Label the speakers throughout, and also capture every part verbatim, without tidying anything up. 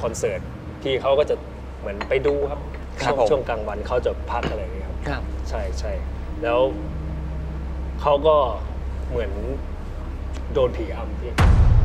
Speaker 1: คอนเสิร์ตพี่เขาก็จะเหมือนไปดูครับช่วงช่วงกลางวันเขาจะพักอะไรอย่างเงี้ยครับ
Speaker 2: ครับ
Speaker 1: ใช่ใช่แล้วเขาก็เหมือนโดนผีอำพี่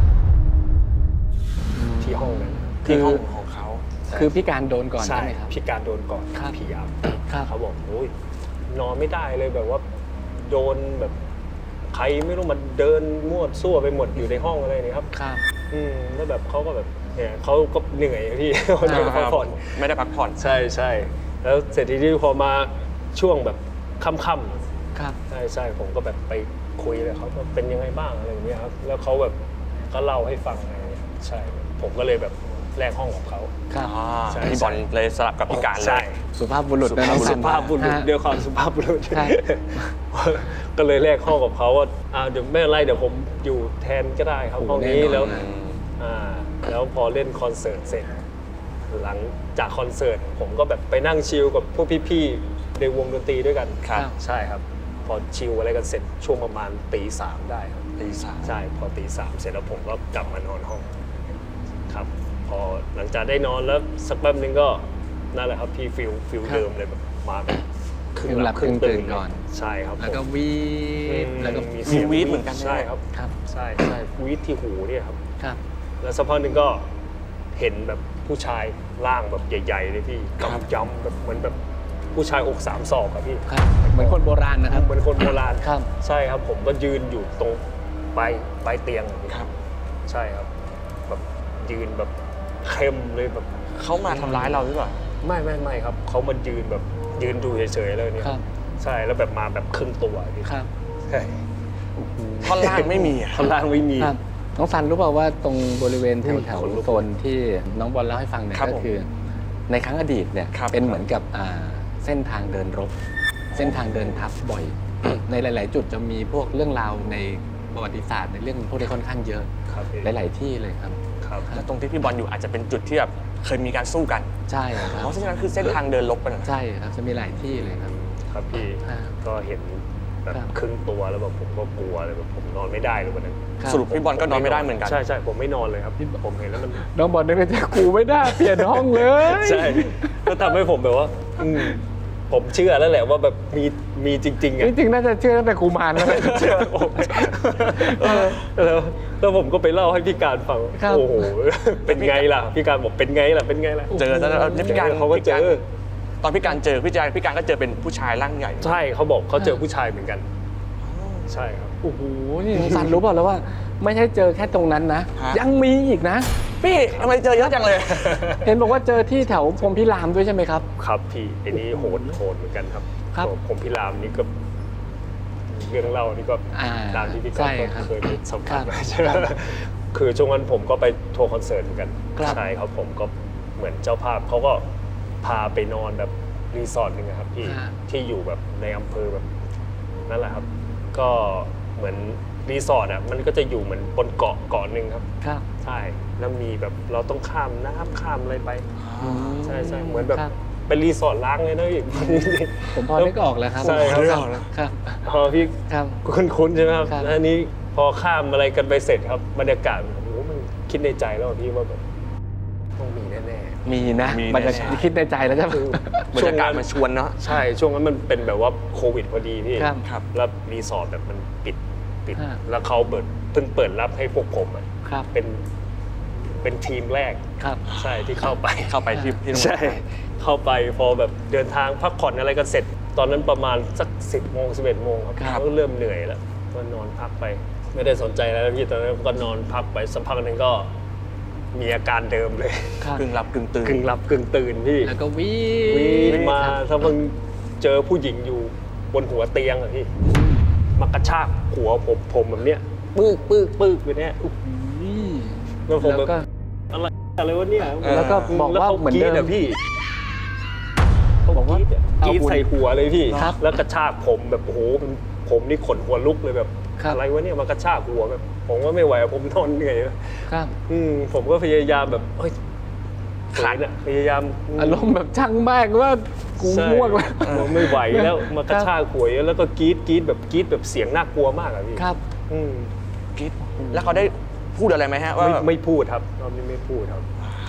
Speaker 1: ที่ห้องนั้น
Speaker 3: ที่ห้องของเขา
Speaker 2: คือพี่การโดนก่อน
Speaker 1: ใช่
Speaker 2: ใช่ไหมครับ
Speaker 1: พี่การโดนก่อนผีอำเขาบอกโอ้ยนอนไม่ได้เลยแบบว่าโดนแบบใครไม่รู้มันเดินมั่วซั่วไปหมดอยู่ในห้องอะไรนี่ครับ
Speaker 2: ครับ
Speaker 1: อืมแล้วแบบเขาก็แบบเนี่ยเขาก็เหนื่อยพี่ไม่ได้พักผ่อน
Speaker 3: ไม่ได้พักผ่อน
Speaker 1: ใช่ใช่แล้วเสร็จทีนี้พอมาช่วงแบบค่ำๆ
Speaker 2: ครับ
Speaker 1: ใช่ใช่ผมก็แบบไปคุยเลยเขาว่าเป็นยังไงบ้างอะไรอย่างเงี้ยครับแล้วเขาแบบก็เล่าให้ฟังอะไรอย่างเงี้ยใช่ผมก็เลยแบบแลกห้องของเขา
Speaker 2: ครับ
Speaker 3: พี่บอลเลยสลับกับพี่การเลย
Speaker 2: สุภาพบุรุษนะน้อง
Speaker 1: สุภาพบุรุษเดี๋ยวความสุภาพบุรุษก็เลยแลกห้องกับเขาว่าอ่าเดี๋ยวไม่เป็นไรเดี๋ยวผมอยู่แทนก็ได้ครับห้องนี้แล้วอ่าแล้วพอเล่นคอนเสิร์ตเสร็จหลังจากคอนเสิร์ตผมก็แบบไปนั่งชิลกับพวกพี่ๆในวงดนตรีด้วยกันใช่ครับพอชิลอะไรกันเสร็จช่วงประมาณตีสามได้ครับ
Speaker 3: ตีสาม
Speaker 1: ใช่พอตีสามเสร็จแล้วผมก็กลับมานอนห้องครับพอหลังจากได้นอนแล้วสักแป๊บนึงก็นั่นแหละครับพี่ฟิลฟิลเดิมเลยแบบมาแบบ
Speaker 2: ครึ่งหลับครึ่งตื่นก่อน
Speaker 1: ใช่ครับ
Speaker 2: แล้วก็วีดแล้วก็
Speaker 1: มีเสียง
Speaker 3: วีดเหมือนกัน
Speaker 1: ใช่ครับ
Speaker 2: ครับ
Speaker 1: ใช่ใช่วีดที่หูเนี่ยครับ
Speaker 2: ครับ
Speaker 1: แล้วสักพักนึงก็เห็นแบบผู้ชายร่างแบบใหญ่ๆเลยพี่กำยำแบบเหมือนแบบผู้ชายอกสามศอกครับพี่
Speaker 2: ครับเหมือนคนโบราณนะครับ
Speaker 1: เหมือนคนโบราณ
Speaker 2: ครับ
Speaker 1: ใช่ครับผมก็ยืนอยู่ตรงปลายปลายเตียง
Speaker 3: ครับ
Speaker 1: ใช่ครับแบบยืนแบบเข้มเลยแบบ
Speaker 3: เขามาทำร้ายเราหรือเปล่า
Speaker 1: ไม่ไม่ไม่ครับเขามายืนแบบยืนดูเฉยๆเลยเนี่ยใช่แล้วแบบมาแบบครึ่งตัวพี่
Speaker 2: ครับ
Speaker 1: ใช่
Speaker 3: ท่อนล่างไม่มี
Speaker 1: ท่อนล่างไม่มี
Speaker 2: น้องซันรู้เปล่าว่าตรงบริเวณที่แถวโซนที่น้องบอลเล่าให้ฟังเนี่ยก็คือในครั้งอดีตเนี่ยเป็นเหมือนกับเส้นทางเดินรบเส้นทางเดินทัพบ่อยในหลายๆจุดจะมีพวกเรื่องราวในประวัติศาสตร์ในเรื่องพวกนี้ค่อนข้างเยอะหลายๆที่เลยครับ
Speaker 1: ครับ
Speaker 3: แล้วตรงที่พี่บอลอยู่อาจจะเป็นจุดที่แบบเคยมีการสู้กัน
Speaker 2: ใช่ครับ
Speaker 3: เพราะฉะนั้นคือเส้นทางเดินรบกัน
Speaker 2: ใช่ครับจะมีหลายที่เลยครับ
Speaker 1: ครับพี่ก็เห็นแบบครึ่งตัวแล้วแบบผมก็กลัวเลยแบบผมนอนไม่ได้เลยวันนั้น
Speaker 3: สรุปพี่บอลก็นอนไม่ได้เหมือนกัน
Speaker 1: ใช่ใช่ผมไม่นอนเลยครับผมเห็นแล้วมัน
Speaker 2: น้องบอลนึกว่าจะกูไม่ได้เปลี่ยนห้องเลย
Speaker 1: ใช่ก็ทำให้ผมแบบว่าผมเชื่อแล้วแหละว่าแบบมีมีจริงๆอ่ะ
Speaker 2: จริงๆน่าจะเชื่อตั้งแต่กูมารแล้ว
Speaker 1: เชื่อผมแล้วแล้วผมก็ไปเล่าให้พี่การฟังโอ้โหเป็นไงล่ะพี่การบอกเป็นไงล่ะเป็นไงล่ะ
Speaker 3: เจอแล้วพี่การ
Speaker 1: เขาก็เจอ
Speaker 3: ตอนพี่การเจอพี่การพี่การก็เจอเป็นผู้ชายร่างใหญ่
Speaker 1: ใช่เขาบอกเขาเจอผู้ชายเหมือนกันใช่ครับ
Speaker 2: โอ้โหนี่ซันรู้เปล่าแล้วว่าไม่ใช่เจอแค่ตรงนั้นนะยังมีอีกนะ
Speaker 3: พี่ทำไมเจอเยอะจังเลย
Speaker 2: เห็นบอกว่าเจอที่แถวพรหมพิรามด้วยใช่ไหมครับ
Speaker 1: ครับพี่อันนี้โหดโหดเหมือนกันครับ
Speaker 2: ครับ
Speaker 1: พรหมพิรามนี่ก็เรื่องเล่านี่ก็ตามที่พี่ก็เคยไปสัมผัสมาใช่ไหมคือช่วงนั้นผมก็ไปทัวร์คอนเสิร์ตเหมือนกันใช่ครับผมก็เหมือนเจ้าภาพเขาก็พาไปนอนแบบรีสอร์ทนึงครับพี่ที่อยู่แบบในอำเภอแบบนั่นแหละครับก็เหมือนรีสอร์ทอ่ะมันก็จะอยู่เหมือนบนเกาะเกาะหนึ่งครับ
Speaker 2: ครับ
Speaker 1: ใช่แล้วมีแบบเราต้องข้ามน้ำข้ามอะไรไปใช่ใช่เหมือนแบบเป็นรีสอร์ทล้างเลยนะพี่
Speaker 2: ผมพอนึกออกแล้วครับ
Speaker 1: ใช่ครับ
Speaker 2: ครับ
Speaker 1: พอพี่
Speaker 2: ครับ
Speaker 1: คุ้นๆใช่ไหมครับแล้วอันนี้พอข้ามอะไรกันไปเสร็จครับบรรยากาศโอ้โหมันคิดในใจแล้วพี่ว่าแบบต้องมีแน่
Speaker 2: ๆมีนะบรรยากาศคิดในใจแล้วใช่ไหม
Speaker 3: บรรยากาศมันชวนเนาะ
Speaker 1: ใช่ช่วงนั้นมันเป็นแบบว่าโควิดพอดีพี่
Speaker 2: ครับ
Speaker 1: แล้วรีสอร์ทแบบมันปิดปิดแล้วเขาเปิดเพิ่งเปิดรับให้พวกผมอ่ะเป็นเป็นทีมแรกใช่ที่เข้าไป
Speaker 3: เข้าไปที่ที่
Speaker 1: ใช่เข้าไปพอแบบเดินทางพักผ่อนอะไรกันเสร็จตอนนั้นประมาณสักสิบโมงสิบเอ็ดโมงครับก็เริ่มเหนื่อยแล้วก็นอนพักไปไม่ได้สนใจแล้วพี่ตอนนั้นก็นอนพักไปสักพักนึงก็มีอาการเดิมเลย
Speaker 3: กึ่งหลับกึ่งตื่น
Speaker 1: กึ่งหลับกึ่งตื่นพี่
Speaker 2: แล้วก็วิ่
Speaker 1: งมาถ้าเพิ่งเจอผู้หญิงอยู่บนหัวเตียงอะพี่มากระชากหัวผมผมแบบเนี้ยปึ๊กปึ๊กปึ๊กไปเนี้ยแล้วผมแบบอะไรอะไรวะเนี่ย
Speaker 2: แล้วก็บอกว่าเหมือนเดิม
Speaker 1: พี่เขาบอกว่ากรีดใส่หัวเลยพี่แล้วกระชากผมแบบโอ้โหผมนี่ขนหัวลุกเลยแบบอะไรวะเนี่ยมากระชากหัวแบบผมก็ไม่ไหวผมนอนเหนื่อย
Speaker 2: ครับ
Speaker 1: อืมผมก็พยายามแบบเฮ้ยขาดอะพยายาม
Speaker 2: อารมณ์แบบช่างมากว่ากูง่วงแล้ว
Speaker 1: ผมไม่ไหวแล้วมากระชากหัวแล้วก็กรีดกรีดแบบกรีดแบบเสียงน่ากลัวมากอะพี่
Speaker 2: ครับ
Speaker 1: อืม
Speaker 3: กรีดแล้วเขาได้พูดอะไรไหมฮะว่า
Speaker 1: ไม่พูดครับเราไม่ไม่พูดครับ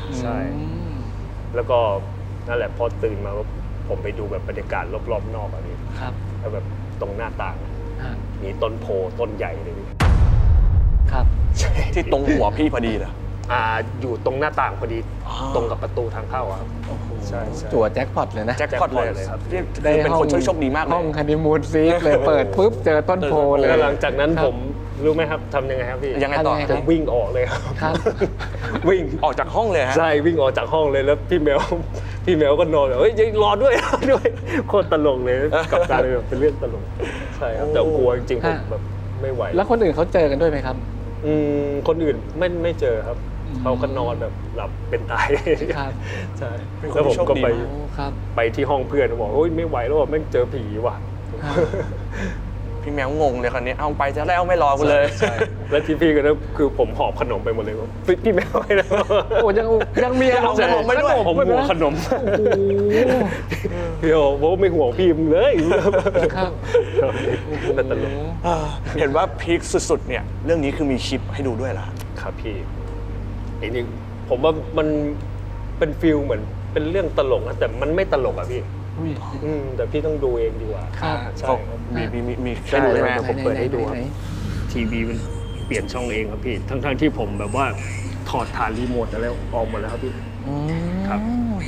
Speaker 1: ใช่
Speaker 2: อืม
Speaker 1: แล้วก็นั่นแหละพอตื่นมาก็ผมไปดูแบบบรรยากาศรอบๆนอกอะพี่
Speaker 2: ครับ
Speaker 1: แล้วแบบตรงหน้าต่าง
Speaker 2: ฮะ
Speaker 1: มีต้นโพต้นใหญ่เลยพี่
Speaker 2: ครับ
Speaker 1: ใช่
Speaker 3: ที่ตรงหัวพี่พอดีเหรอ
Speaker 1: อ่าอยู่ตรงหน้าต่างพอดี
Speaker 3: อ๋อ
Speaker 1: ตรงกับประตูทางเข้าอะครับใช่ใช่
Speaker 2: จั่วแจ็คพอตเลยนะ
Speaker 3: แจ็คพอตเลย
Speaker 1: เลยครับ
Speaker 3: นี่คือเป็นคนโชคโชคดีมากเล
Speaker 2: ห้อย งฮันนีมูนซีทเลยเปิดปุ๊บเจอต้นโพเลย
Speaker 1: แล้วหลังจากนั้น
Speaker 2: ครับ
Speaker 1: ผมรู้ไหมครับทำยังไงครับพี่
Speaker 3: ยังไงต่อ
Speaker 2: ทำยังไง
Speaker 1: ผมวิ่งออกเลยครับ
Speaker 2: ครับ
Speaker 1: วิ่ง
Speaker 3: ออกจากห้องเลยฮะ
Speaker 1: ใช่วิ่งออกจากห้องเลยแล้วพี่แมว พี่แมวก็นอนแบบเฮ้ยยังรอด้วย รอด้วยโคตรตลกเลยกับการเลยแบบเป็นเรื่องตลกใช่ครับแต่กลัวจริงๆผม
Speaker 2: ฮะ
Speaker 1: แบบไม่ไหว
Speaker 2: แล้วคนอื่นเขาเจอกันด้วยไหมครับ
Speaker 1: อืมคนอื่นไม่ไม่เจอครับ
Speaker 2: อืม
Speaker 1: เขาก็นอนแบบหลับเป็นตาย
Speaker 2: ครับ
Speaker 1: ใช่
Speaker 3: เป็นคน
Speaker 1: แล้วผม
Speaker 3: ที่โชค
Speaker 1: ก็
Speaker 3: ดี
Speaker 1: ไป
Speaker 3: มาก
Speaker 2: โอ้ครับ
Speaker 1: ไปที่ห้องเพื่อนบอกโอ้ยไม่ไหวแล้วว่ะแม่งเจอผีว่ะ
Speaker 2: ครับ
Speaker 3: พี่แมวงงเลยคราวนี้เอาไปจะแล้วไม่รอกูเลย
Speaker 1: ใช่แล้วที่พี่ก็นะคือผมหอบขนมไปหมดเลยว่าพี่พี่แมวให้นะ
Speaker 2: โอ้ยังยังมีเอาขนมไม่ด้วย
Speaker 1: ผมห่วงขนม
Speaker 2: โอ้โห
Speaker 1: พี่โอ้โหไม่ห่วงพี่มึงเลย
Speaker 2: ครับ
Speaker 1: แต่ตลก
Speaker 3: อ่าเห็นว่าพีคสุดๆเนี่ยเรื่องนี้คือมีคลิปให้ดูด้วยเหรอ
Speaker 1: ครับพี่ไอ้นี่ผมว่ามันเป็นฟิลเหมือนเป็นเรื่องตลกนะแต่มันไม่ตลกอะพี่
Speaker 2: อุ้ย
Speaker 1: อืมแต่พี่ต้องดูเองดีกว่า
Speaker 2: ครับ
Speaker 1: ใช่
Speaker 3: เขา
Speaker 1: ครับ
Speaker 3: มีมีมีมี
Speaker 1: ใช่
Speaker 3: ให้ดูใช่ไหม
Speaker 1: เดี๋ยวผมเปิดให้ดูครับ
Speaker 2: ไหน
Speaker 1: ทีวีมันเปลี่ยนช่องเองครับพี่ ทั้งๆที่ผมแบบว่าถอดฐานรีโมทแล้วออกหมดแล้วครับพี่
Speaker 2: ๆอืม
Speaker 1: ครับ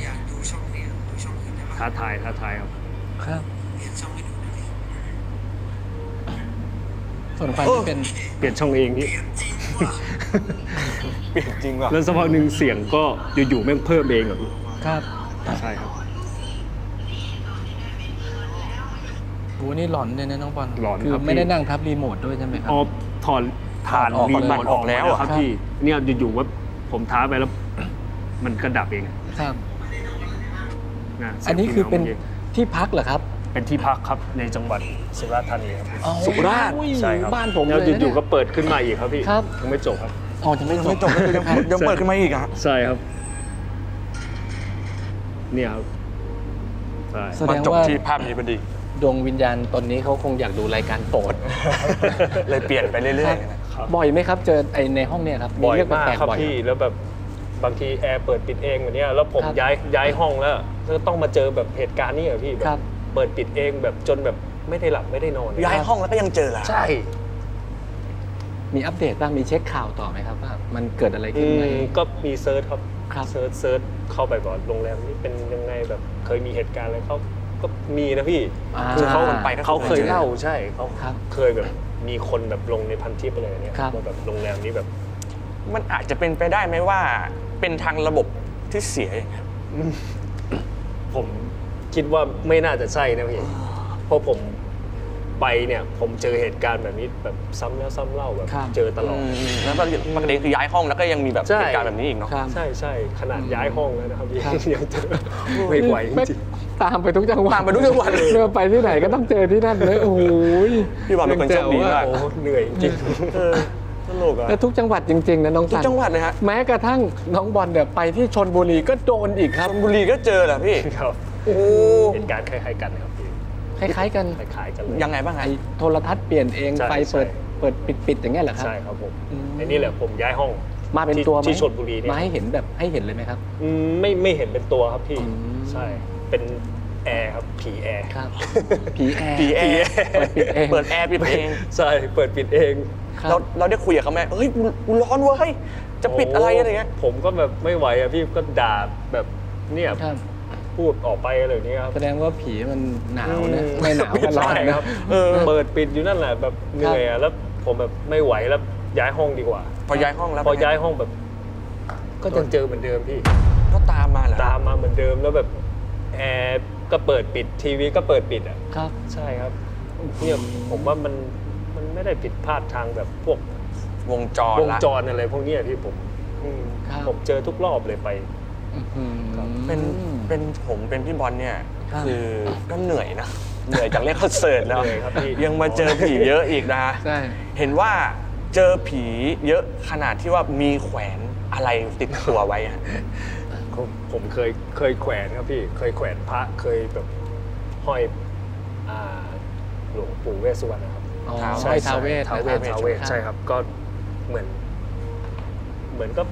Speaker 1: ท้าทายท้าทายครับ
Speaker 2: ครับ ส่วนไฟที่เป็น
Speaker 1: เปลี่ยนช่องเองพี่
Speaker 3: เปลี่ยนจริงว่ะ
Speaker 1: แล้วสักพักหนึ่งเสียงก็อยู่ๆแม่งเพิ่มเองอะพี่
Speaker 2: ครับ
Speaker 1: ใช่ครับ
Speaker 2: โอ้นี่หลอนเลยนะน้องบอล
Speaker 1: หลอน
Speaker 2: คือ
Speaker 1: ครับพี่
Speaker 2: ไม่ได้นั่งทับรีโมทด้วยใช่ไหมครั
Speaker 1: อ๋อถอดฐาน
Speaker 2: ถอดออก
Speaker 1: รีโม
Speaker 2: มา
Speaker 1: ทออกแล้วครับ
Speaker 2: ครับ
Speaker 1: พี่เนี่ยอยู่ๆว่าผมท้าไปแล้ว มันก็ดับเอง
Speaker 2: ครับ
Speaker 1: ะ
Speaker 2: อันนี้คือเป็น
Speaker 1: สียง
Speaker 2: ที่พักเหรอครับ
Speaker 1: เป็นที่พักครับในจังหวัดสุราษฎร์ธานีครับ
Speaker 3: สุราษฎร์
Speaker 2: อุ้ย
Speaker 1: ใช่ครับ
Speaker 2: บ้านผม
Speaker 1: แล้ว
Speaker 2: เลยนะ
Speaker 1: อยู่ๆก็เปิดขึ้นมาอีกครับพี่
Speaker 2: ครับ
Speaker 1: ยังไม่จบครับ
Speaker 2: อ๋อจะไม่
Speaker 3: ยัง
Speaker 2: จ
Speaker 3: ไม่
Speaker 2: บ
Speaker 3: จบก็คือยังยังเปิดขึ้นมาอีกอะ
Speaker 1: ใช่ครับ เนี่ยครับใช่
Speaker 2: แส
Speaker 3: มา
Speaker 2: ดง
Speaker 3: จบ
Speaker 2: ว่า
Speaker 3: ที่ภาพนี้พอดี
Speaker 2: ดวงวิญญาณตนนี้เขาคงอยากดูรายการโปรด
Speaker 3: เลยเปลี่ยนไปเรื่อย
Speaker 1: ครับ
Speaker 2: บ่อยไหมครับ เจอไอในห้องเนี่ยครับ
Speaker 1: บ่อย
Speaker 2: เรื่อง
Speaker 1: มาก
Speaker 2: แปลก
Speaker 1: ครับ
Speaker 2: ๆบ่อย
Speaker 1: พี่แล้วแบบบางทีแอร์เปิดปิดเองแบบเนี้ยแล้วผม
Speaker 2: ครับ
Speaker 1: ย้ายย้ายห้องแล้วก็ต้องมาเจอแบบเหตุการณ์นี้เหรอพี่แบ
Speaker 2: ครับ
Speaker 1: บเปิดปิดเองแบบจนแบบไม่ได้หลับไม่ได้นอน
Speaker 3: ๆย้ายห้องแล้วก็ยังเจอเหรอ
Speaker 1: ใช่
Speaker 2: มีอัปเดตบ้างมีเช็คข่าวต่อไหมครับว่ามันเกิดอะไร
Speaker 1: อื
Speaker 2: ขึ้นไหม
Speaker 1: มก็มีเซิร์ชครับ
Speaker 2: ครับ
Speaker 1: เซิร์ชเซิร์ชเข้าไปก่อนโรงแรมนี้เป็นยังไงแบบเคยมีเหตุการณ์อะไรเขาก็มีนะพี่
Speaker 2: อ่า
Speaker 1: คือเขา
Speaker 3: คนไปก็
Speaker 1: เขาเคย
Speaker 3: จอ
Speaker 1: เล่าใช่เขา
Speaker 2: ครับ
Speaker 1: เคยแบบมีคนแบบลงในพันทิปอะไรอย่างเงี้ย
Speaker 2: ครับ
Speaker 1: ว่าแบบโรงแรมนี้แบบ
Speaker 3: มันอาจจะเป็นไปได้ไหมว่า เป็นทางระบบที่เสียอย่างเงี้ย
Speaker 1: ผมคิดว่าไม่น่าจะใช่นะพี่เพราะผมไปเนี่ยผมเจอเหตุการณ์แบบนี้แบบซ้ำแล้วซ้ำเล่าแบบ
Speaker 2: ครับ
Speaker 1: เจอตลอด
Speaker 3: แล้วประเด็นคือย้ายห้องแล้วก็ยังมีแบบ
Speaker 1: ใช่
Speaker 3: เหตุการณ์แบบนี้อีกเนาะ
Speaker 2: ครับ
Speaker 1: ใช่ใช่ขนาดย้ายห้องแล้วนะครับพี่
Speaker 2: ครับ
Speaker 1: ยังเจอไม่ไหวจริง
Speaker 2: ตามไปทุกจังหวัด
Speaker 3: ตามไปทุกจังหวัดเลย
Speaker 2: เดินไปที่ไหนก็ต้องเจอที่นั่นเลยโอ้โห
Speaker 3: พี่บอลเป็นคนโชคดีมาก
Speaker 1: โอ้โหเหนื่อยจริง
Speaker 3: เออตลกอะ
Speaker 2: แล้วทุกจังหวัดจริงๆนะน้อง
Speaker 3: ทุก
Speaker 2: สัน
Speaker 3: จังหวัดเลยฮะ
Speaker 2: แม้กระทั่งน้องบอลเนี่ยไปที่ชนบุรีก็โดนอีกค
Speaker 3: ช
Speaker 2: รับ
Speaker 3: ลบุรีก็เจอเหรอพี่
Speaker 1: ครับ
Speaker 3: โอ้โห
Speaker 1: เหตุการณ์คล้ายๆกันนะครับพี่
Speaker 2: คล้ายๆกัน
Speaker 1: คล้ายๆกันเลย
Speaker 3: ยังไงบ้าง
Speaker 2: ไอ
Speaker 3: ฮะ
Speaker 2: โทรทัศน์เปลี่ยนเอง
Speaker 1: ใช่
Speaker 2: ไฟเปิด
Speaker 1: ใช่
Speaker 2: เปิดปิดปิดอย่างเงี้ยเหรอครับ
Speaker 1: ใช่ครับผม
Speaker 2: อืม
Speaker 1: ไอ้นี่แหละผมย้ายห้อง
Speaker 2: มาเป็น
Speaker 1: ที่
Speaker 2: ตัวไหม
Speaker 1: ที่ชลบุรีเนี่ย
Speaker 2: มาให้เห็นแบบให้เห็นเลยไหมครับ
Speaker 1: อืมไม่ไม่เห็นเป็นตัวครับพี่
Speaker 2: อืม
Speaker 1: ใช่เป็นแอร์ครับผีแอร์
Speaker 2: ครับ ผีแอร์
Speaker 3: ผีแอร์
Speaker 2: เปิดปิดเอง
Speaker 3: เปิดแอร์ปิดเอง
Speaker 1: ใช่เปิดปิดเอง
Speaker 2: ครับ
Speaker 3: เราเราได้คุยกับเขาไหมเฮ้ยกูกูร้อนเว้ยจะปิดอะไรอะไรเงี้ย
Speaker 1: โผมก็แบบไม่ไหวอะพี่ก็ด่าแบบเนี่ย
Speaker 2: ครับ
Speaker 1: พูดออกไปอะไรอย่างนี้ครับ
Speaker 2: แสดงว่าผีมันหนาวนะ
Speaker 1: อืม
Speaker 2: ไม่หนาวก็ร้อน
Speaker 1: ใช่
Speaker 2: นะครับ
Speaker 1: เออเปิดปิดอยู่นั่นแหละแบบเหนื่อยอะแล้วผมแบบไม่ไหวแล้วย้ายห้องดีกว่า
Speaker 3: พอย้ายห้องแล้ว
Speaker 1: พอย้ายห้องแบบ ก็ยังเจอเหมือนเดิมพี่
Speaker 3: ก็ตามมาเหรอ
Speaker 1: ตามมาเหมือนเดิมแล้วแบบแอร์ก็เปิดปิดทีวีก็เปิดปิดอ่ะ
Speaker 2: ครับ
Speaker 1: ใช่ครับเนี่ยผมว่ามันมันไม่ได้ผิดพลาดทางแบบพวก
Speaker 3: วงจร
Speaker 1: วง
Speaker 3: ละ
Speaker 1: จรอะไรพวกเนี้ยที่ผมอืม
Speaker 2: ครับ
Speaker 1: ผมเจอทุกรอบเลยไป
Speaker 2: อื้อหือ
Speaker 3: เป็นเป็นผมเป็นพี่บอลเนี่ย
Speaker 2: ครับ
Speaker 3: คือก็เหนื่อยนะ เหนื่อยจากเล่นคอนเสิร์ตแล้ว
Speaker 1: เหนื่อยครับพี่
Speaker 3: ยังมาเจอผีเยอะอีกนะ
Speaker 2: ใช่
Speaker 3: เห็นว่าเจอผีเยอะขนาดที่ว่ามีแขวนอะไรติดตัวไว้อะ
Speaker 1: ผมผมเคยเคยแขวนครับพี่ เคยแขวนพระเคยแบบห้อยอ่าหลวงปู่เวสสุวรรณนะครับ
Speaker 2: อ๋อ
Speaker 3: ท้าว
Speaker 2: ใช่ท้าวเวส
Speaker 1: ท้าวเวส
Speaker 2: นะครับ
Speaker 1: ท้าวเวสใช่ครับก็เหมือน เหมือนก็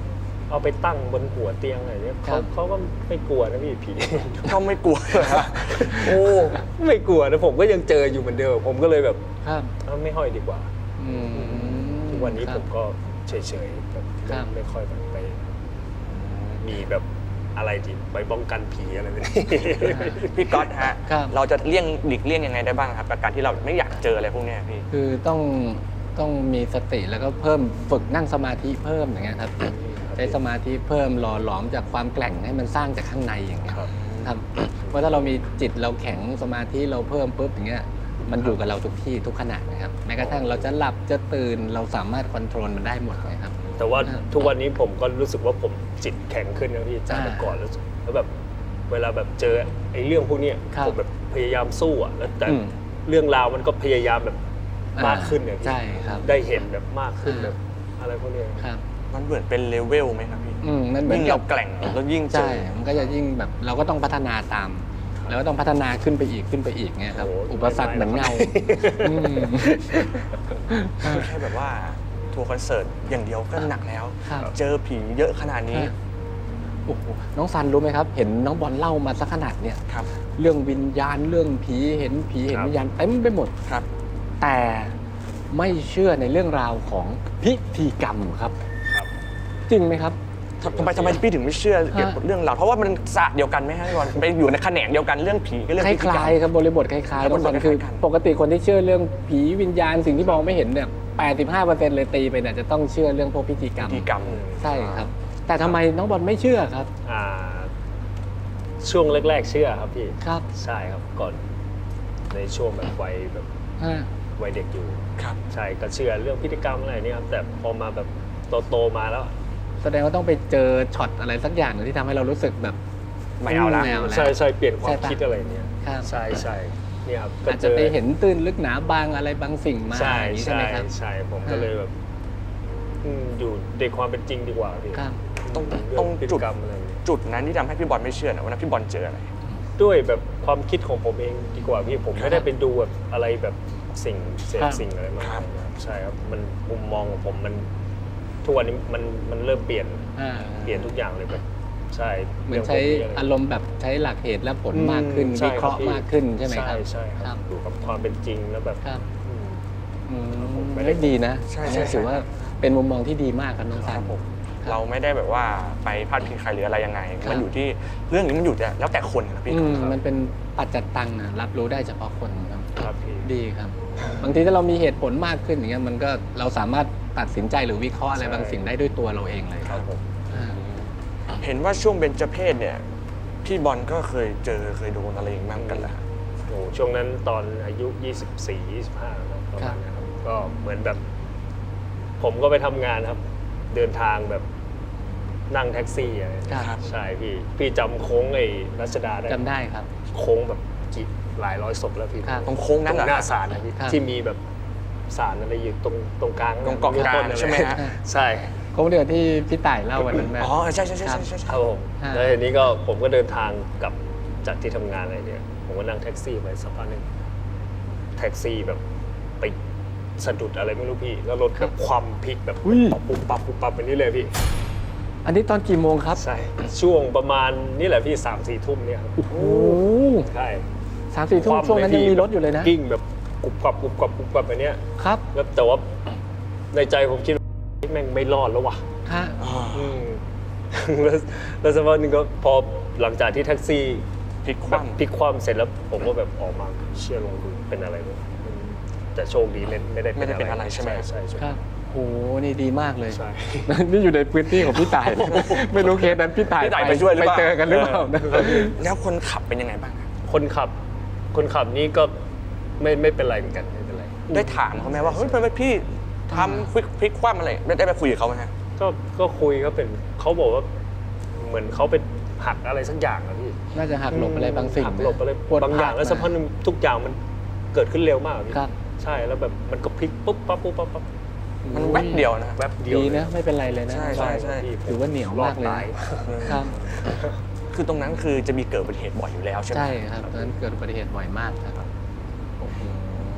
Speaker 1: เอาไปตั้งบนหัวเตียงอะไรเนี่ย
Speaker 2: ครั
Speaker 1: เขา
Speaker 2: บ
Speaker 1: เขาก็ไม่กลัวนะพี่ผี
Speaker 3: ก็ไม่กลัวเลยฮะโอ้
Speaker 1: ไม่กลัวนะผมก็ยังเจออยู่เหมือนเดิมผมก็เลยแบบ
Speaker 2: ครับ
Speaker 1: เอ้าไม่ห้อยดีกว่า
Speaker 2: อืม
Speaker 1: ทุกวันนี้
Speaker 2: ค
Speaker 1: ผ
Speaker 2: รับ
Speaker 1: มก็เฉยๆแบบ
Speaker 2: ครับ
Speaker 1: ไม่ค่อยแบบไป มีแบบอะไรที่ไปป้องกันผีอะไรแบบนี้
Speaker 3: พี่ก๊อตฮะ
Speaker 2: ครับ
Speaker 3: เราจะเลี่ยงหลีกเลี่ยงยังไงได้บ้างครับกับการที่เราไม่อยากเจออะไรพวกเนี้ยพี่
Speaker 2: คือต้องต้องมีสติแล้วก็เพิ่มฝึกนั่งสมาธิเพิ่มอย่างเงี้ยครับ ใช้สมาธิเพิ่มหล่อหลอมจากความแกร่งให้มันสร้างจากข้างในอย่างเงี้ย
Speaker 1: ครับ
Speaker 2: ครับเพราะถ้าเรามีจิตเราแข็งสมาธิเราเพิ่มปุ๊บอย่างเงี้ยมันอยู่กับเราทุกที่ทุกขณะนะครับแม้กระทั่งเราจะหลับจะตื่นเราสามารถควบคุมมันได้หมดนะครับ
Speaker 1: แต่ว่า
Speaker 2: อ่า
Speaker 1: ทุกวันนี้ผมก็รู้สึกว่าผมจิตแข็งขึ้นนะพี่จากแต่
Speaker 2: อ่า
Speaker 1: ก่อนแล้วแล้วแบบเวลาแบบเจอไอ้เรื่องพวกเนี้ย
Speaker 2: ครับ
Speaker 1: ผมแบบพยายามสู้อะแล้วแต่
Speaker 2: อืม
Speaker 1: เรื่องราวมันก็พยายามแบบมากขึ้นเนี่ยพี่
Speaker 2: ใช่ครับ
Speaker 1: ได้เห็นแบบมากขึ้น
Speaker 2: อ่า
Speaker 1: แบบอะไรพวกเนี้ย
Speaker 2: ครับ
Speaker 3: มันเหมือนเป็นเลเวลไหมครับพี่
Speaker 2: อืมมันเหมือ
Speaker 3: ยิ่
Speaker 2: น
Speaker 3: ง
Speaker 2: กั
Speaker 3: เรา
Speaker 2: บ
Speaker 3: แกร่งแล้วยิ่งเจ
Speaker 2: ใช่
Speaker 3: อ
Speaker 2: มันก็จะยิ่งแบบเราก็ต้องพัฒนาตาม แล้วก็ต้องพัฒนาขึ้นไปอีกขึ้นไปอีกเงี้ยครับ
Speaker 1: โอ้โห
Speaker 2: อุปสรรคเหมือนเงาอืม
Speaker 3: คือแค่แบบว่าทัวร์คอนเสิร์ตอย่างเดียวก็หนักแล้ว
Speaker 2: ครับ
Speaker 3: เจอผีเยอะขนาดนี้
Speaker 2: โอ้โหน้องซันรู้ไหมครับ เห็นน้องบอลเล่ามาสักขนาดเนี่ย
Speaker 3: ครับ
Speaker 2: เรื่องวิญญาณเรื่องผีเห็นผีเห็น
Speaker 1: ครับ
Speaker 2: วิญญาณเต็มไปหมด
Speaker 3: ครับ
Speaker 2: แต่ไม่เชื่อในเรื่องราวของพิธีกรรมครับ
Speaker 1: ครับ
Speaker 2: จริงไหมครับ
Speaker 3: ทำไมทำไมพี่ถึงไม่เชื่อเกี่ยวกับเรื่องราวเพราะว่ามันศาสตร์เดียวกันไหมฮะพี่บอลไปอยู่ในแขนงเดียวกันเรื่องผีกับเรื่อง
Speaker 2: ค
Speaker 3: พิธีกรร
Speaker 2: ล้าย
Speaker 3: ม
Speaker 2: ๆครับบริบทคล้ายๆ
Speaker 3: คล้ายๆ
Speaker 2: น้องบอล
Speaker 3: บริบท
Speaker 2: คือ
Speaker 3: คล้ายๆกัน
Speaker 2: ปกติคนที่เชื่อเรื่องผีวิญญาณสิ่งที่มองไม่เห็นเนี่ยแปดสิบห้าเปอร์เซ็นต์เลยตีไปเนี่ยจะต้องเชื่อเรื่องพวกพิธีกรรม
Speaker 3: พิธีกรรม
Speaker 2: ใช่ครับ แต่ทำไมน้องบอลไม่เชื่อครับ
Speaker 1: อ่าช่วงแรกๆเชื่อครับพี่
Speaker 2: ครับ
Speaker 1: ใช่ครับก่อนในช่วงแบบวัยแบบ
Speaker 2: อ่า
Speaker 1: วัยเด็กอยู่
Speaker 3: ครับ
Speaker 1: ใช่ก็เชื่อเรื่องพิธีกรรมอะไรเนี่ยครับแต่พอมาแบบโตๆมาแล้ว
Speaker 2: แสดงว่าต้องไปเจอช็อตอะไรสักอย่างหนึ่งที่ทำให้เรารู้สึกแบบ
Speaker 3: ไม่เอาละ
Speaker 2: ไม่เอาแล้ว
Speaker 1: ใช่ใช่เปลี่ยนความ
Speaker 2: ใช่ปะ
Speaker 1: คิดอะไรเนี่ย
Speaker 2: ครับ
Speaker 1: ใช่ใช่เนี่ยครับก็
Speaker 2: อาจจะไปเห็นตื้นลึกหนาบางอะไรบางสิ่งมา
Speaker 1: ใช่
Speaker 2: อย่างนี้ใช่
Speaker 1: ใช่
Speaker 2: ไหมครับ
Speaker 1: ใช่ผมก็เลยแบบอืมอยู่ในความเป็นจริงดีกว่าพี่
Speaker 2: ครับ
Speaker 3: ต้อง
Speaker 1: เรื่
Speaker 3: ต้อง
Speaker 1: พิ
Speaker 3: จุ
Speaker 1: ธี
Speaker 3: ด
Speaker 1: กรรมอะไรเนี่ย
Speaker 3: จุดนั้นที่ทำให้พี่บอลไม่เชื่อนะวันนั้นพี่บอลเจออะไร
Speaker 1: ด้วยแบบความคิดของผมเองดีกว่าพี่ผม
Speaker 3: ครับ
Speaker 1: ไม่ได้ไปดูแบบอะไรแบบสิ่งเสพ
Speaker 2: ครับ
Speaker 1: สิ่งอะไรมาก
Speaker 3: ครับ
Speaker 1: นะครับใช่ครับมันมุมมองของผมมันทุกวันนี้มันมันเริ่มเปลี่ยน
Speaker 2: อ่า
Speaker 1: เปลี่ยนทุกอย่างเลยแบบใช่
Speaker 2: เหมือนใช้
Speaker 1: รื่งพวกนี้ะไร
Speaker 2: อารมณ์แบบใช้หลักเหตุและผล
Speaker 1: อืม
Speaker 2: มากขึ้น
Speaker 1: ใช่
Speaker 2: วิเคราะห์
Speaker 1: ครับพี่
Speaker 2: มากขึ้นใช่ไหมครับ
Speaker 1: ใช่ใช่ค
Speaker 2: ครั
Speaker 1: รับบ อยู่กับความเป็นจริงแล้วแบบ
Speaker 2: ครับ
Speaker 1: อืม
Speaker 2: อืม
Speaker 1: ผมไม่
Speaker 2: ไม่
Speaker 1: ได้
Speaker 2: ได้ดีนะ
Speaker 3: ใช่
Speaker 2: อัน
Speaker 3: ใช่
Speaker 2: นี้ถือว่าเป็นมุมมองที่ดีมากครับน้องซั
Speaker 3: คน รับผม
Speaker 2: ครับ
Speaker 3: เราไม่ได้แบบว่าไปพาดพิงใครหรืออะไรยังไง
Speaker 2: ครับ
Speaker 3: มันอยู่ที่เรื่องนี้มันอยู่แต่แล้วแต่คนนะพี่
Speaker 2: อืม
Speaker 3: ครับ
Speaker 2: มันเป็นปัจจัตตังนะรับรู้ได้เฉพาะคนครับ
Speaker 1: ครับพี่
Speaker 2: ดีครับ บางทีถ้าเรามีเหตุผลมากขึ้นอย่างเงี้ยมันก็เราสามารถตัดสินใจหรือวิเคราะห์อะไร
Speaker 1: ใช่
Speaker 2: บางสิ่งได้ด้วยตัวเราเองเลย
Speaker 1: ครับผม
Speaker 2: อ่า
Speaker 3: เห็นว่าช่วงเบญจเพศเนี่ยพี่บอลก็เคยเจอเคยโดนอะไรอย่างนั้นกันแหละ
Speaker 1: โอ้ช่วงนั้นตอนอายุ ยี่สิบสี่ ยี่สิบห้าครับประมาณนี้ครับก็เหมือนแบบ ผมก็ไปทำงานครับ เดินทางแบบนั่งแท็กซี่อะไร
Speaker 2: ครับ
Speaker 1: ใช่พี่พี่จำโค้งไอ้รัชดาได้ไหม
Speaker 2: จำได้ครับ
Speaker 1: โค้งแบบกี่หลายร้อยศพแล้วพี่
Speaker 2: ครับ
Speaker 3: ตรงโค้งนั้นเหรอ
Speaker 1: ตรงหน้าศาลนะพี่
Speaker 2: ครับ
Speaker 1: ที่มีแบบศาลอะไรอยู่ตรงตรงกลาง
Speaker 3: ตรงเกาะกลาง
Speaker 1: ต้นอะร
Speaker 3: ใช่ไหมฮะ
Speaker 1: ใช่
Speaker 2: โค้งเดียวที่พี่ต่ายเล่าวันนั้นไหม
Speaker 3: อ๋อใช่ใช่ใช่
Speaker 2: ครั
Speaker 3: ใช่
Speaker 2: บ
Speaker 3: ใช่
Speaker 1: ค
Speaker 3: ใช่
Speaker 1: รับผม
Speaker 2: ฮะ
Speaker 1: แล้วทีนี้ก็ผมก็เดินทางกลับจากที่ทำงานอะไรเนี่ยผมก็นั่งแท็กซี่ไปสักพักหนึงแท็กซี่แบบไปสะดุดอะไรไม่รู้พี่ แล้วรถแบบคว่ำพลิกแบบ
Speaker 2: อุ้ย
Speaker 1: ปุ๊บปั๊บปุ๊บปั๊บแบบนี้เลยพี่
Speaker 2: อันนี้ตอนกี่โมงครับ
Speaker 1: ใช่ช่วงประมาณนี่แหละพี่สามสี่ทุ่มเนี่ยครับ
Speaker 2: โอ้โห
Speaker 1: ใช่
Speaker 2: สามสี่ทุ่ม
Speaker 1: คว่ำ
Speaker 2: ช่วงนั้น
Speaker 1: เล
Speaker 2: ยัง
Speaker 1: พี่
Speaker 2: มีรถอยู่เลยนะ
Speaker 1: กิ้งแบบกรุบกรับกรุบกรับกรุบกรับแบบเนี้ย
Speaker 2: ครับ
Speaker 1: แล้วแต่ว่าในใจผมคิดว่าแม่งไม่รอดแล้วว่ะ
Speaker 2: ฮะ
Speaker 3: อ๋อ
Speaker 1: อืม แล้วแล้วสักพักหนึงก็พอหลังจากที่แท็กซี่
Speaker 3: พลิกค
Speaker 1: แบบ
Speaker 3: ว่ำ
Speaker 1: พลิกคว่ำเสร็จแล้วผมก็แบบออกมาเชื่อลงดูเป็นอะไรวะอืมแต่โชคดีไม่ไม่ได้
Speaker 3: ไม่ได้เป็นอะไรใช่ไหม
Speaker 1: ใช่ใช่
Speaker 2: ครับโหนี่ดีมากเลย
Speaker 1: ใช่
Speaker 2: นี่อยู่ในพื้นที่ของพี่ต่าย ไม่รู้เคสนั้นพี่ต่าย
Speaker 3: พี่ต่ายไปช่วยหรือเปล่า
Speaker 2: ไปเจอกันหรือเปล่านะ
Speaker 3: แล้วคนขับเป็นยังไงบ้างครับ
Speaker 1: คนขับ คนขับนี่ก็ไม่ไม่เป็นไรเหมือนกันไม่เป็นไร
Speaker 3: ได้ถามเขาไหมว่าเฮ้ยทำไมพี่ทำพลิกพลิกคว่ำอะไรได้ได้ไปคุยกับเขาไหมฮะ
Speaker 1: ก็ก็คุยก็เป็นเขาบอกว่าเหมือนเขาไปหักอะไรสักอย่างอะพี่
Speaker 2: น่าจะหักหลบอะไรบางสิ่ง
Speaker 1: หักหลบอะไร
Speaker 2: ปวด
Speaker 1: บางอย่างแล้วสักพักหนึงทุกอย่างมันเกิดขึ้นเร็วมากอะพี่
Speaker 2: ครับ
Speaker 1: ใช่แล้วแบบมันก็พลิกปุ๊บปั๊บปุ๊บปั๊บปั๊บ
Speaker 3: มันแวบเดียวนะ
Speaker 1: แวบเดียว
Speaker 2: ดี
Speaker 1: เลย
Speaker 2: นะไม่เป็นไรเลยนะ
Speaker 3: ใช่ใช่ใช่
Speaker 1: พี่
Speaker 2: ถือว่าเหนียวมากเลย
Speaker 1: รอดตาย
Speaker 2: ครับ
Speaker 3: คือตรงนั้นคือจะมีเกิดอุบัติเหตุบ่อยอยู่แล้วใช่ไหม
Speaker 2: ใช่ครับตอนนั้นเกิดอุบัติเหตุบ่อยมากครับโอ้โห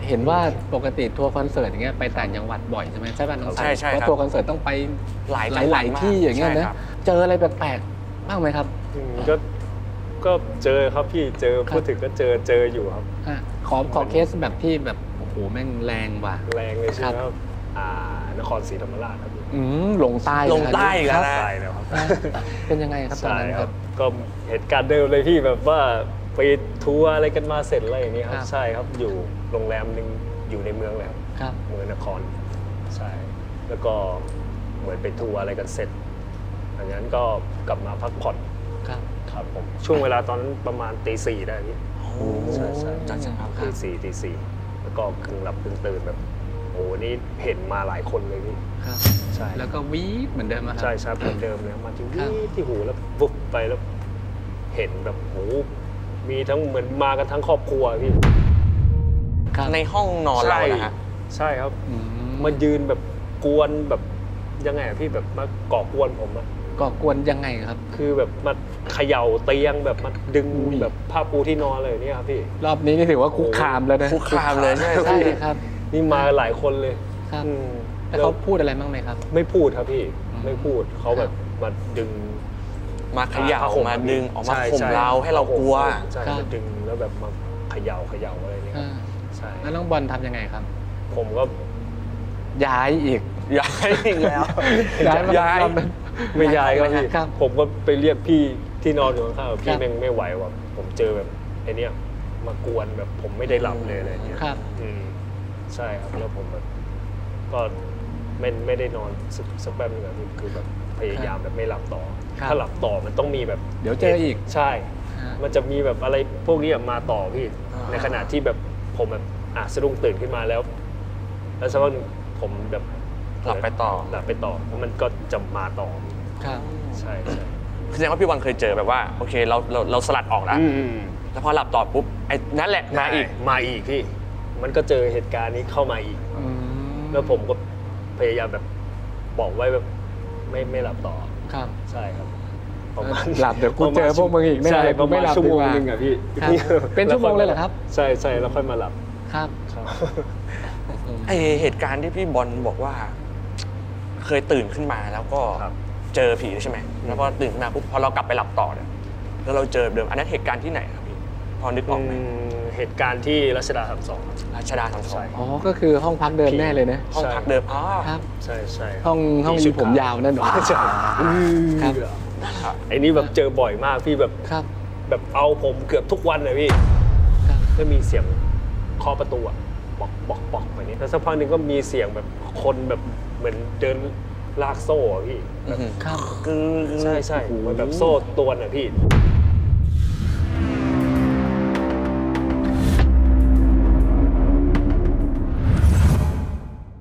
Speaker 2: เห็นว่าปกติทัวร์คอนเสิร์ตอย่างเงี้ยไปต่างจังหวัดบ่อยใช่ไหมใช่ป่ะน้องสัน
Speaker 3: ใช่ใช่
Speaker 2: เพราะ
Speaker 3: ครับ
Speaker 2: ทัวร์คอนเสิร์ตต้องไป
Speaker 3: หลาย
Speaker 2: ห
Speaker 3: จังหวั
Speaker 2: ลา
Speaker 3: ด
Speaker 2: ย
Speaker 3: มาก
Speaker 2: ๆที่อย่างเงี้ย
Speaker 3: ใช่
Speaker 2: นะครับ เจออะไรแปลกๆบ้างไหมครับ
Speaker 1: อืมก็ก็เจอครับพี่เจอพูดถึงก็เจอเจออยู่ครับ
Speaker 2: อ่ะขอขอเคสแบบที่แบบโอ้โหแม่งแรงว่ะ
Speaker 1: แรงเลยใช่ไหม
Speaker 2: ค
Speaker 1: ค
Speaker 2: รั
Speaker 1: รับ บอ่านครศรีธรรมราชครับพี่
Speaker 2: อืมลงใต้
Speaker 3: ลงใต้อีกแล้ว
Speaker 2: ค
Speaker 3: นะ
Speaker 1: ใช่แล้วครับ
Speaker 2: รับเป็นยังไงครับตอน
Speaker 1: ใช่
Speaker 2: นั้น
Speaker 1: ค
Speaker 2: ค
Speaker 1: รั
Speaker 2: รั
Speaker 1: บบ ก็เหตุการณ์เดิมเลยพี่แบบว่าไปทัวร์อะไรกันมาเสร็จอะไรอย่างนี้ครั
Speaker 2: ครับ บ
Speaker 1: ใช่ครับอยู่โรงแรมหนึ่งอยู่ในเมืองเลยครับ
Speaker 2: ครับ
Speaker 1: เมืองนครใช่แล้วก็เหมือนไปทัวร์อะไรกันเสร็จจากนั้นก็กลับมาพักผ่อน
Speaker 2: ครับ
Speaker 1: ครับผมช่วงเวลาตอนนั้นประมาณตีสี่ได้พี่
Speaker 3: โอ้
Speaker 1: ใช่ใช่
Speaker 3: จังจังครับ
Speaker 1: ตีสี่ตีสี่แล้วก็กึ่งหลับกึ่งตื่นแบบโอ้โหนี่เห็นมาหลายคนเลยพี่
Speaker 2: ครับ
Speaker 1: ใช่
Speaker 2: แล้วก็วีดเหมือนเดิมอะครั
Speaker 1: ใช่ใช่เหมือนเดิมเลยมาที่
Speaker 2: ครั
Speaker 1: วี
Speaker 2: บ
Speaker 1: ดที่หูแล้ววุบไปแล้ว เห็นแบบโอ้โหมีทั้งเหมือนมากันทั้งครอบครัวพี่
Speaker 2: ครับ
Speaker 3: ในห้องนอนเรา
Speaker 1: ใช่
Speaker 3: นะฮะ
Speaker 1: ใช่ครับ
Speaker 2: อืม
Speaker 1: มายืนแบบกวนแบบยังไงอะพี่แบบมาก่อกวนผมอะ
Speaker 2: ก่อกวนยังไงครับ
Speaker 1: คือแบบมาเขย่าเตียงแบบมาดึง
Speaker 2: อุ้ย
Speaker 1: แบบผ้าปูที่นอนเลยเนี่ยครับพี่
Speaker 2: รอบนี้นี่ถือว่าคุกคามแล้วนะ
Speaker 3: คุกคามเลยใช่ไหม
Speaker 2: ใช่ครับ
Speaker 1: นี่มาหลายคนเลย
Speaker 2: ครับ
Speaker 1: อืม
Speaker 2: แล้วเขาพูดอะไรบ้างไหมครับ
Speaker 1: ไม่พูดครับพี่
Speaker 2: อืม
Speaker 1: ไม่พูดเขาแบบมาดึง
Speaker 3: มาเขย่า
Speaker 1: ผ้ห่
Speaker 3: มาดึงออกมา
Speaker 1: ใช่
Speaker 3: ข่ม
Speaker 1: ใช่
Speaker 3: เราให้เรากลัว
Speaker 1: ใช่
Speaker 2: ครับ
Speaker 1: มาดึงแล้วแบบมาเขย่าเขย่าอะไรเนี่ย
Speaker 2: อ่า
Speaker 1: ใช่
Speaker 2: แล้วน้องบอลทำยังไงครับ
Speaker 1: ผมก็
Speaker 2: ย้ายอีก
Speaker 3: ย้ายอีกแล้ว
Speaker 2: ย้ายมา
Speaker 3: ย้าย
Speaker 2: รอบนั้น
Speaker 1: ไม่ย้ายครับพี่
Speaker 2: ครับ
Speaker 1: ผมก็ไปเรียกพี่ที่นอนอยู่ข้างๆ
Speaker 2: ครั
Speaker 1: พี่
Speaker 2: บ
Speaker 1: แม่งไม่ไหวว่ะผมเจอแบบไอ้เนี่ยมากวนแบบผมไม่ได้หลับเลยอะไรเงี้ย
Speaker 2: ครับ
Speaker 1: อืมใช่ครับแล้วผมแบบก็ไม่ไม่ได้นอนสักสักแป๊บนึงอะพี่คือแบบพยายามแบบไม่หลับต่อ
Speaker 2: ครับ
Speaker 1: ถ้าหลับต่อมันต้องมีแบบ
Speaker 2: เดี๋ยวเจออีก
Speaker 1: ใช่
Speaker 2: ฮะ
Speaker 1: มันจะมีแบบอะไรพวกนี้อะมาต่อพี่
Speaker 3: อ่า
Speaker 1: ในขณะที่แบบผมแบบอ่ะสะดุ้งตื่นขึ้นมาแล้ว แล้วสักพักหนึ่งผมแบบ
Speaker 3: หลับไปต่อ
Speaker 1: หลับไปต่อแล้วมันก็จะมาต่อ
Speaker 2: ครับ
Speaker 1: ใช่ใช่
Speaker 3: แสดงว่าพี่วันเคยเจอแบบว่าโอเคเราเราเราสลัดออกแล้ว
Speaker 1: อืม
Speaker 3: แล้วพอหลับต่อปุ๊บไอ้นั่นแหละมาอีก
Speaker 1: มาอีกพี่ มันก็เจอเหตุการณ์นี้เข้ามาอีก
Speaker 2: อืม
Speaker 1: แล้วผมก็พยายามแบบบอกไว้แบบไม่ไม่หลับต่อ
Speaker 2: ครับ
Speaker 1: ใช่ครับประมาณ
Speaker 2: หลับเดี๋ยวกูเจอพวกมึงอีกแน่
Speaker 1: ใช่
Speaker 2: เลย
Speaker 1: ประ
Speaker 2: ไม่
Speaker 1: มาณ
Speaker 2: หลับ
Speaker 1: ชั่วโมง
Speaker 2: ดีกว่า
Speaker 1: นึงอะพี่
Speaker 2: ครับเป็นชั่วโมงเลยเหรอครับ
Speaker 1: ใช่ใช่แล้วค่อยมาหลับ
Speaker 2: ครับ
Speaker 1: ครับ
Speaker 3: ไอเหตุการณ์ที่พี่บอลบอกว่า เคยตื่นขึ้นมาแล้วก็
Speaker 1: ครับ
Speaker 3: เจอผีใช่ไหมแล้วพอตื่นขึ้นมาปุ๊บพอเรากลับไปหลับต่อเนี่ยแล้วเราเจอเดิมอันนั้นเหตุการณ์ที่ไหนครับพี่พอนึกออกไหม
Speaker 1: อืมเหตุการณ์ที่รัชดาสามสอง
Speaker 3: ราชดาทำสอ
Speaker 1: ใช่
Speaker 3: ง
Speaker 2: อ๋อ ก็คือห้องพักเดิมแน่เลยนะ
Speaker 3: ห้องพักเดิมอ๋อ
Speaker 2: ครับ
Speaker 1: ใช่ใช่ครับ
Speaker 2: ห้องห้อง
Speaker 1: ที่ชุ
Speaker 2: มี
Speaker 1: ด
Speaker 2: ผม
Speaker 1: ข
Speaker 2: ยาวนั่นหรอ
Speaker 1: ใช่
Speaker 2: ครับ
Speaker 1: ไอ้นี่แบบเจอบ่อยมากพี่แบบ
Speaker 2: ครับ
Speaker 1: แบบเอาผมเกือบทุกวันเลยพี่
Speaker 2: ครับ
Speaker 1: ก็มีเสียงเคาะประตูอะบอกบอกบอกไปนี้แล้วสักพักหนึ่งก็มีเสียงแบบคนแบบเหมือนเดินลากโซ่อะพี่
Speaker 3: อื้อหือ
Speaker 2: ครับ
Speaker 3: คือ
Speaker 1: ใช่ใช่
Speaker 2: โอ้โห
Speaker 1: เหมันแบบโซ่ตรวนอะพี่